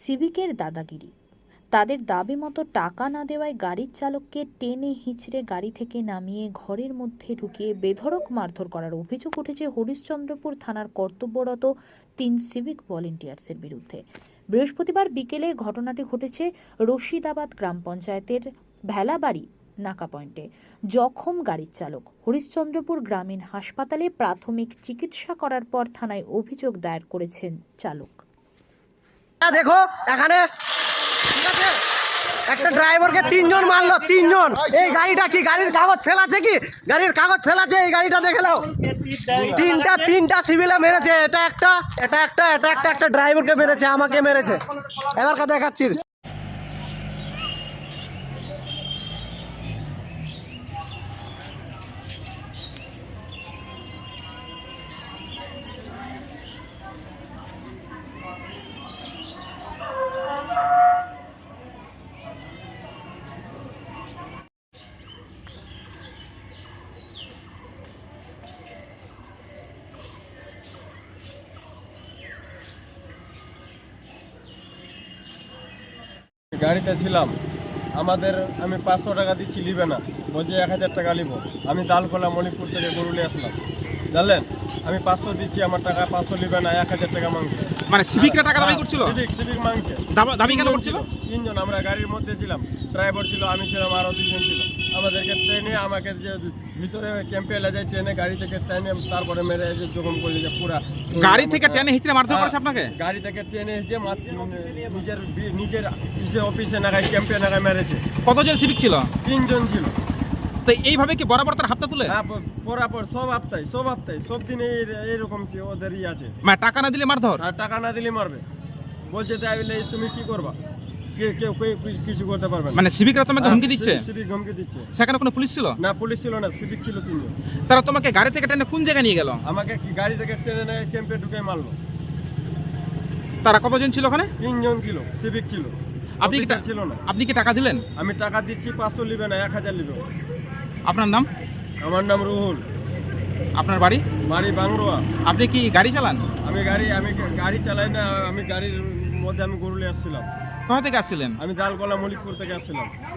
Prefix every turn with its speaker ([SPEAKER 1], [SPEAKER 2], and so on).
[SPEAKER 1] সিভিকের দাদাগিরি। তাদের দাবি মতো টাকা না দেওয়ায় গাড়ির চালককে টেনে হিঁচড়ে গাড়ি থেকে নামিয়ে ঘরের মধ্যে ঢুকিয়ে বেধড়ক মারধর করার অভিযোগ উঠেছে হরিশ্চন্দ্রপুর থানার কর্তব্যরত 3 সিভিক ভলেন্টিয়ার্সের বিরুদ্ধে। বৃহস্পতিবার বিকেলে ঘটনাটি ঘটেছে রশিদাবাদ গ্রাম পঞ্চায়েতের ভেলাবাড়ি নাকা পয়েন্টে। জখম গাড়ির চালক হরিশ্চন্দ্রপুর গ্রামীণ হাসপাতালে প্রাথমিক চিকিৎসা করার পর থানায় অভিযোগ দায়ের করেছেন চালক।
[SPEAKER 2] দেখো এখানে একটা ড্রাইভারকে 3 জন মারলো, 3 জন। এই গাড়িটা কি গাড়ির কাগজ ফেলাছে? কি গাড়ির কাগজ ফেলাছে? এই গাড়িটা দেখে নাও। তিনটা সিভিলে মেরেছে। এটা একটা ড্রাইভারকে মেরেছে, আমাকে মেরেছে। এবার দেখাচ্ছি।
[SPEAKER 3] গাড়িতে ছিলাম, আমি 500 টাকা দিচ্ছি, নিবে না, বলছে 1000 টাকা নিব। আমি দালকোলা মণিপুর থেকে গরুলে আসলাম, জানলেন। আমি 500 দিচ্ছি, আমার টাকা 500 নিবে না, 1000 টাকা মাংসে।
[SPEAKER 4] মানে সিভিকরা টাকা দাবি করছিল?
[SPEAKER 3] সিভিক মাংসে
[SPEAKER 4] দাবি কেন করছিল?
[SPEAKER 3] 3 জন আমরা গাড়ির মধ্যে ছিলাম, ড্রাইভার ছিল, আমি ছিলাম, আরও 2 জন ছিল। আমাদেরকে ট্রেনে আমাকে যে ভিতরে ক্যাম্পে এলে যায়, ট্রেনে গাড়ি থেকে ট্রেনে তারপরে মেরে যে জখম করলে যে পুরা
[SPEAKER 4] গাড়ি থেকে টেনে হিঁচড়ে মারধর করেছে আপনাকে?
[SPEAKER 3] গাড়ি থেকে ট্রেনে যে নিজের অফিসে নাগায় ক্যাম্পে নাগায় মেরেছে।
[SPEAKER 4] কতজন সিভিক ছিল?
[SPEAKER 3] 3 জন ছিল।
[SPEAKER 4] তো এইভাবে কি বরাবর তার হাতটা তুলে?
[SPEAKER 3] হ্যাঁ, পরাপর সব হপ্তায় সব দিনে এইরকম ওদেরই আছে।
[SPEAKER 4] মানে টাকা না দিলে মারধর?
[SPEAKER 3] আর টাকা না দিলে মারবে, বলছে তাই বলে তুমি কি করবা, কেউ কিছু করতে পারবে না।
[SPEAKER 4] মানে সিভিকরা তোমাকে হুমকি দিচ্ছে?
[SPEAKER 3] সিভিক হুমকি দিচ্ছে।
[SPEAKER 4] সেখানে কোনো পুলিশ ছিল
[SPEAKER 3] না? পুলিশ ছিল না, সিভিক ছিল 3 জন।
[SPEAKER 4] তারা তোমাকে গাড়ি থেকে টেনে কোন জায়গায় নিয়ে গেল?
[SPEAKER 3] আমাকে কি গাড়ি থেকে ট্রেনে ক্যাম্পে ঢুকে মারলো।
[SPEAKER 4] তারা কতজন ছিল ওখানে?
[SPEAKER 3] 3 জন ছিল, সিভিক ছিল,
[SPEAKER 4] আপনি কি
[SPEAKER 3] ছিল না।
[SPEAKER 4] আপনি কি টাকা দিলেন?
[SPEAKER 3] আমি টাকা দিচ্ছি, 500 নিবে না, 1000 নিবে।
[SPEAKER 4] আপনার নাম?
[SPEAKER 3] আমার নাম রুহুল।
[SPEAKER 4] আপনার বাড়ি?
[SPEAKER 3] বাড়ি বাংরোয়া।
[SPEAKER 4] আপনি কি গাড়ি চালান?
[SPEAKER 3] আমি গাড়ি চালাই না, আমি গাড়ির মধ্যে আমি গরুলে আসছিলাম।
[SPEAKER 4] কোথা থেকে আসছিলেন?
[SPEAKER 3] আমি দালকোলা মলিকপুর থেকে আসছিলাম।